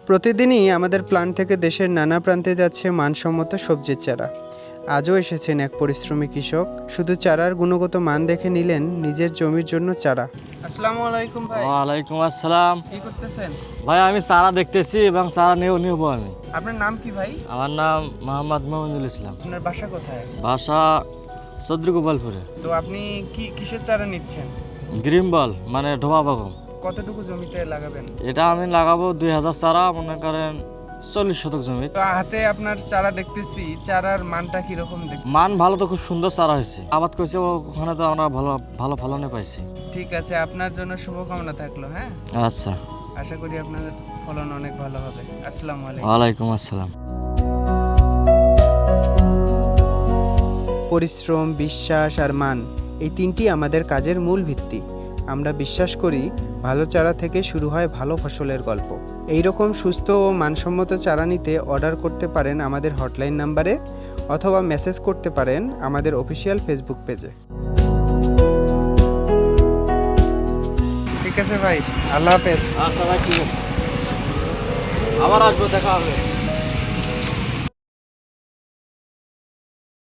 প্রতিদিনই আমাদের প্ল্যান্ট থেকে দেশের নানা প্রান্তে যাচ্ছে মানসম্মত সবজির চারা। আজও এসেছেন এক পরিশ্রমী কৃষক, শুধু চারার গুণগত মান দেখে নিলেন নিজের জমির জন্য চারা। আসসালামু আলাইকুম ভাই। ওয়ালাইকুম আসসালাম। কি করতেছেন? ভাই আমি চারা দেখতেছি এবং চারা নেব আমি। আপনার নাম কি ভাই? আমার নাম মোহাম্মদ মোহাম্মদুল ইসলাম। আপনার বাসা কোথায়? বাসা চৌদ্রগোপালপুরে। তো আপনি কিসের চারা নিচ্ছেন? গ্রিন বল মানে ঢোবা বাগম। কতটুকু জমিতে লাগাবেন? এটা আমি লাগাবো 2000 চারা, মনে করেন 40 শতক জমি। তো হাতে আপনার চারা দেখতেছি, চারার মানটা কিরকম দেখতে? মান ভালো, তো খুব সুন্দর চারা হয়েছে। আবাদ করছে ওখানে, তো আমরা ভালো ভালো ফলনে পাইছি। ঠিক আছে, আপনার জন্য শুভকামনা থাকলো। হ্যাঁ, আচ্ছা, আশা করি আপনার ফলন অনেক ভালো হবে। আসসালামু আলাইকুম। ওয়ালাইকুম আসসালাম। পরিশ্রম, বিশ্বাস আর মান, এই তিনটি আমাদের কাজের মূল ভিত্তি। আমরা বিশ্বাস করি ভালো চারা থেকে শুরু হয় ভালো ফসলের গল্প। এই রকম সুস্থ ও মানসম্মত চারা নিতে অর্ডার করতে পারেন আমাদের হটলাইন নাম্বারে, অথবা মেসেজ করতে পারেন আমাদের অফিসিয়াল ফেসবুক পেজে। ঠিক আছে ভাই, আল্লাহ হাফেজ। আচ্ছা ভাই, ঠিক আছে, আবার আসবো, দেখা হবে।